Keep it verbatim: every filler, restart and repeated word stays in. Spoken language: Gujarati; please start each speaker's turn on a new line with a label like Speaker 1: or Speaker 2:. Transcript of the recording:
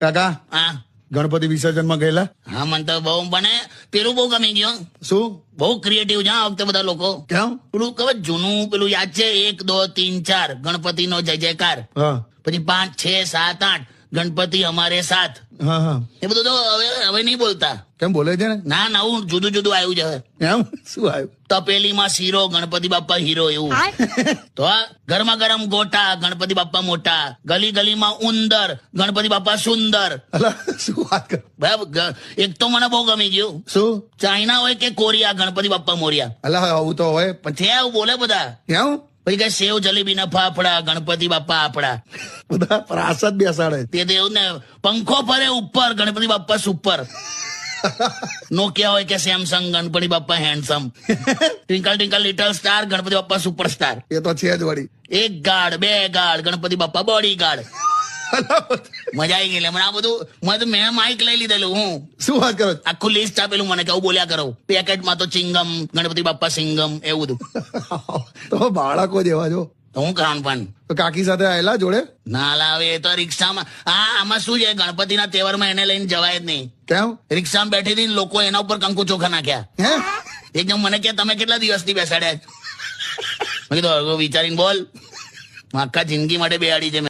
Speaker 1: કાકા
Speaker 2: હા
Speaker 1: ગણપતિ વિસર્જન માં ગયેલા?
Speaker 2: હા મને તો બહુ મને પેલું બહુ ગમી ગયું.
Speaker 1: શું?
Speaker 2: બહુ ક્રિએટિવ છે આ વખતે બધા લોકો.
Speaker 1: કેમ?
Speaker 2: પેલું ખબર જૂનું પેલું યાદ છે એક દો તીન ચાર ગણપતિ નો જય જયકાર,
Speaker 1: હા
Speaker 2: પછી પાંચ છ સાત આઠ ગણપતિ અમારે સાથ,
Speaker 1: હા હા
Speaker 2: એ બધું તો હવે હવે નહીં બોલતા.
Speaker 1: કેમ બોલે છે ને?
Speaker 2: ના નવું જુદું જુદું આવ્યું છે.
Speaker 1: એમ શું આવ્યું?
Speaker 2: તપેલીમાં શીરો ગણપતિ બાપ્પા હીરો એવું. તો આ ગરમા ગરમ ગોટા ગણપતિ બાપ્પા મોટા, ગલી ગલીમાં ઉંદર ગણપતિ બાપ્પા સુંદર.
Speaker 1: અલા શું વાત કર?
Speaker 2: બરાબર ગ- એક તો મને બહુ ગમી ગયું.
Speaker 1: શું?
Speaker 2: ચાઇના હોય કે કોરિયા ગણપતિ બાપ્પા મોર્યા.
Speaker 1: અલા આવું તો હોય પણ
Speaker 2: છે આવું બોલે બધા.
Speaker 1: કેમ
Speaker 2: પછી કઈ સેવ જલેબી ના ફાફડા ગણપતિ બાપ્પા આપડા.
Speaker 1: બધા પ્રાસદ બેસાડે?
Speaker 2: તે તો એવું ને પંખો ફરે ઉપર ગણપતિ બાપ્પા સુપર. નોકિયા હોય કે Samsung Ganpati Bappa handsome. Twinkle twinkle little star Ganpati Bappa superstar.
Speaker 1: એ તો છે જ વળી.
Speaker 2: એક ગાર્ડ બે guard Ganpati Bappa body guard. મજા આવી ગઈ લે. મને આ બધું મને તો મેં માઇક લઈ લીધેલું. હું
Speaker 1: શું વાત કરો?
Speaker 2: આખું લિસ્ટ આપેલું મને કે આવું બોલ્યા કરો. પેકેટમાં તો ચિંગમ ગણપતિ બાપ્પા સિંગમ એવું બધું.
Speaker 1: તો બાળકો જેવા જો.
Speaker 2: તો હું ખાન પણ
Speaker 1: તો કાકી સાથે આયેલા જોડે?
Speaker 2: ના લાવે એ તો રિક્ષામાં. હા આમાં શું છે ગણપતિના તહેવારમાં એને લઈને જવાય જ નહીં.
Speaker 1: કેમ?
Speaker 2: રિક્ષામાં બેઠી હતી ને લોકો એના ઉપર કંકુ ચોખા નાખ્યા.
Speaker 1: હે?
Speaker 2: એકદમ મને કે તમે કેટલા દિવસથી બેસાડ્યા? મેં કીધું હવે વિચારીને બોલ. આખા જિંદગી માટે બેહાડી છે.